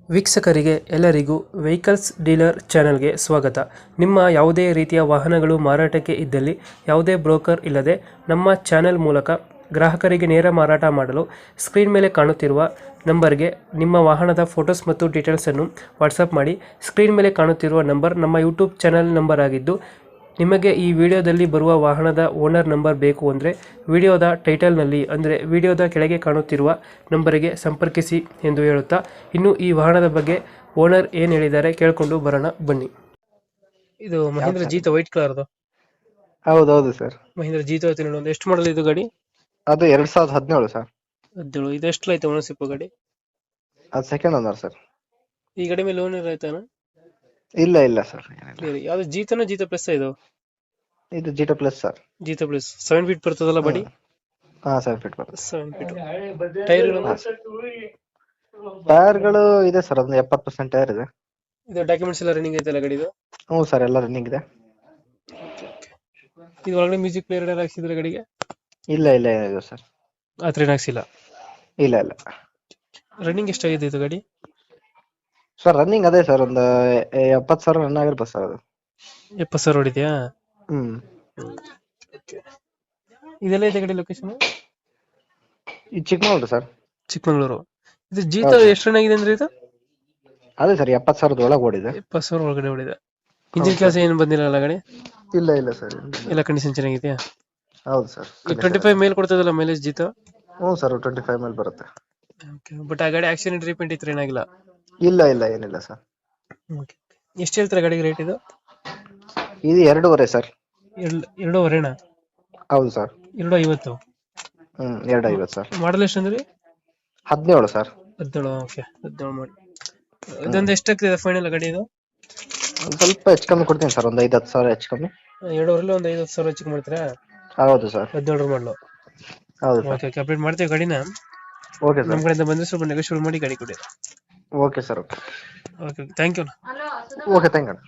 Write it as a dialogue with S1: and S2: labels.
S1: ವೀಕ್ಷಕರಿಗೆ ಎಲ್ಲರಿಗೂ vehicles dealer ಚಾನೆಲ್ಗೆ ಸ್ವಾಗತ. ನಿಮ್ಮ ಯಾವುದೇ ರೀತಿಯ ವಾಹನಗಳು ಮಾರಾಟಕ್ಕೆ ಇದ್ದಲ್ಲಿ ಯಾವುದೇ ಬ್ರೋಕರ್ ಇಲ್ಲದೆ ನಮ್ಮ ಚಾನೆಲ್ ಮೂಲಕ ಗ್ರಾಹಕರಿಗೆ ನೇರ ಮಾರಾಟ ಮಾಡಲು ಸ್ಕ್ರೀನ್ ಮೇಲೆ ಕಾಣುತ್ತಿರುವ ನಂಬರ್ಗೆ ನಿಮ್ಮ ವಾಹನದ ಫೋಟೋಸ್ ಮತ್ತು ಡೀಟೇಲ್ಸನ್ನು ವಾಟ್ಸಪ್ ಮಾಡಿ. ಸ್ಕ್ರೀನ್ ಮೇಲೆ ಕಾಣುತ್ತಿರುವ ನಂಬರ್ ನಮ್ಮ ಯೂಟ್ಯೂಬ್ ಚಾನೆಲ್ ನಂಬರ್ ಆಗಿದ್ದು, ನಿಮಗೆ ಈ ವಿಡಿಯೋದಲ್ಲಿ ಬರುವ ವಾಹನದ ಓನರ್ ನಂಬರ್ ಬೇಕು ಅಂದರೆ ವಿಡಿಯೋದ ಟೈಟಲ್ನಲ್ಲಿ ಅಂದರೆ ವಿಡಿಯೋದ ಕೆಳಗೆ ಕಾಣುತ್ತಿರುವ ನಂಬರಿಗೆ ಸಂಪರ್ಕಿಸಿ ಎಂದು ಹೇಳುತ್ತಾ, ಇನ್ನು ಈ ವಾಹನದ ಬಗ್ಗೆ ಓನರ್ ಏನು ಹೇಳಿದ್ದಾರೆ ಕೇಳಿಕೊಂಡು ಬರೋಣ ಬನ್ನಿ. ಇದು ಮಹೇಂದ್ರ ಜೀತ ವೈಟ್ ಕಲರ್ದು.
S2: ಹೌದೌದು ಸರ್.
S1: ಮಹೇಂದ್ರ ಜೀತ ಒಂದು ಎಷ್ಟು ಮಾಡಲ್ ಇದು ಗಾಡಿ?
S2: ಅದು 2017 ಸರ್.
S1: 17. ಇದು ಎಷ್ಟು ಆಯ್ತು ಓನರ್ಶಿಪ್ ಗಾಡಿ?
S2: ಅದು ಸೆಕೆಂಡ್ ಓನರ್ ಸರ್.
S1: ಈ ಗಾಡಿ ಮೇಲೆ ಲೋನ್ ಆಯ್ತಾನ?
S2: ಇಲ್ಲ ಸರ್, ಏನಿಲ್ಲ.
S1: ಯಾವ್ದು ಜೀತನ ಜೀತ ಪ್ಲಸ್ ಇದು?
S2: ಇದು Jeeto plus sir.
S1: Jeeto plus 7 feet ಬರ್ತದಲ್ಲ ಬಾಡಿ?
S2: ಹಾ, 7 ಫೀಟ್ ಬರುತ್ತೆ.
S1: 7 ಫೀಟ್. ಟೈರ್ಗಳು?
S2: ಟೈರ್ಗಳು ಇದೆ ಸರ್, ಒಂದು 70% ಟೈರ್ ಇದೆ.
S1: ಇದು ಡಾಕ್ಯುಮೆಂಟ್ಸ್ ಎಲ್ಲ ರನ್ನಿಂಗ್ ಐತಲ್ಲ ಗಾಡಿದು?
S2: ಹ್ಞೂ ಸರ್, ಎಲ್ಲ ರನ್ನಿಂಗ್ ಇದೆ.
S1: ಇದು ಒಳಗಡೆ ಮ್ಯೂಸಿಕ್ ಪ್ಲೇಯರ್ ಎಲ್ಲ ಹಾಕ್ಸಿದ್ರೆ ಗಾಡಿಗೆ?
S2: ಇಲ್ಲ ಏನಿದೆ ಸರ್.
S1: ಆತರ ಏನು ಹಾಕ್ಸಿಲ್ಲ? ಇಲ್ಲ. ರನ್ನಿಂಗ್ ಎಷ್ಟಾಗಿದೆ ಇದು ಗಾಡಿ?
S2: ಸರ್ ರನ್ನಿಂಗ್ ಅದೇ ಸರ್, ಒಂದು 70,000 ರನ್ ಆಗಿರ್ಬೋದು ಸರ್ ಅದು.
S1: 70,000 ಹೊಡಿದ್ಯಾ?
S2: ಹ್ಮ್.
S1: ಇದೆಲ್ಲ ಇದೆ ಗಾಡಿ ಲೊಕೇಶನ್?
S2: ಇದು ಚಿಕ್ಕಮಗಳೂರು ಸರ್.
S1: ಚಿಕ್ಕಮಗಳೂರು. ಇದು ಜೀತ ಎಷ್ಟು ರನ್ ಆಗಿದೆ ಅಂದ್ರೆ ಇದು?
S2: ಅದೇ ಸರ್, 70,000 ಒಳಗೆ ಓಡಿದೆ.
S1: 70,000 ಒಳಗಡೆ ಹೊಡಿದೆ. ಇಂಜಿನ್ ಕೆಲಸ ಏನು ಬಂದಿಲ್ಲ ಗಾಡಿ?
S2: ಇಲ್ಲ ಸರ್.
S1: ಎಲ್ಲ ಕಂಡೀಷನ್ ಚೆನ್ನಾಗಿದೆಯಾ?
S2: ಹೌದು ಸರ್.
S1: 25 ಮೇಲ್ ಕೊಡ್ತದಲ್ಲ ಮೈಲೇಜ್ ಜೀತ?
S2: ಹ್ಞೂ ಸರ್, 25 ಮೇಲೆ ಬರುತ್ತೆ.
S1: ಬಟ್ ಆ ಗಾಡಿ ಆಕ್ಸಿಡೆಂಟ್ ರೀಪೇಂಟ್ ಇತ್ತು ಏನಾಗಿಲ್ಲ?
S2: ಇಲ್ಲ ಏನಿಲ್ಲ ಸರ್.
S1: ಎಷ್ಟು ಹೇಳ್ತಾರೆ ಗಾಡಿಗೆ ರೇಟ್ ಇದು?
S2: ಇದು 2.5 ಸರ್.
S1: 2.5ನಾ?
S2: ಹೌದು ಸರ್.
S1: 2.50.
S2: 2.50 ಸರ್.
S1: ಮಾಡಲ್ ಎಷ್ಟು ಅಂದ್ರೆ?
S2: 17 ಸರ್.
S1: 17. ಓಕೆ, 17 ಮಾಡಿ. ಇದೊಂದು ಎಷ್ಟಾಗ್ತಿದೆ ಫೈನಲ್ ಗಾಡಿ ಇದು?
S2: ಒಂದು ಸ್ವಲ್ಪ ಹೆಚ್ಚು ಕಮ್ಮಿ ಕೊಡ್ತೀನಿ ಸರ್, ಒಂದು 5-10 ಸಾವಿರ ಹೆಚ್ಚು ಕಮ್ಮಿ.
S1: 2.5 ಒಂದು 5-10,000 ಹೆಚ್ಚಿಗೆ ಮಾಡ್ತೀರಾ?
S2: ಹೌದು ಸರ್.
S1: 17 ಮಾಡಲು.
S2: ಹೌದು ಸರ್.
S1: ಓಕೆ, ಅಪ್ಡೇಟ್ ಮಾಡ್ತೀವಿ ಗಾಡಿನ.
S2: Okay sir.
S1: ನಮ್ಮ ಕಡೆಯಿಂದ ಬಂದ್ರೆ ಸ್ವಲ್ಪ ನೆಗೋಷಿಯೇಟ್ ಮಾಡಿ ಗಾಡಿ ಕೊಡಿ.
S2: Okay sir.
S1: Okay, thank you.
S2: Okay, thank you.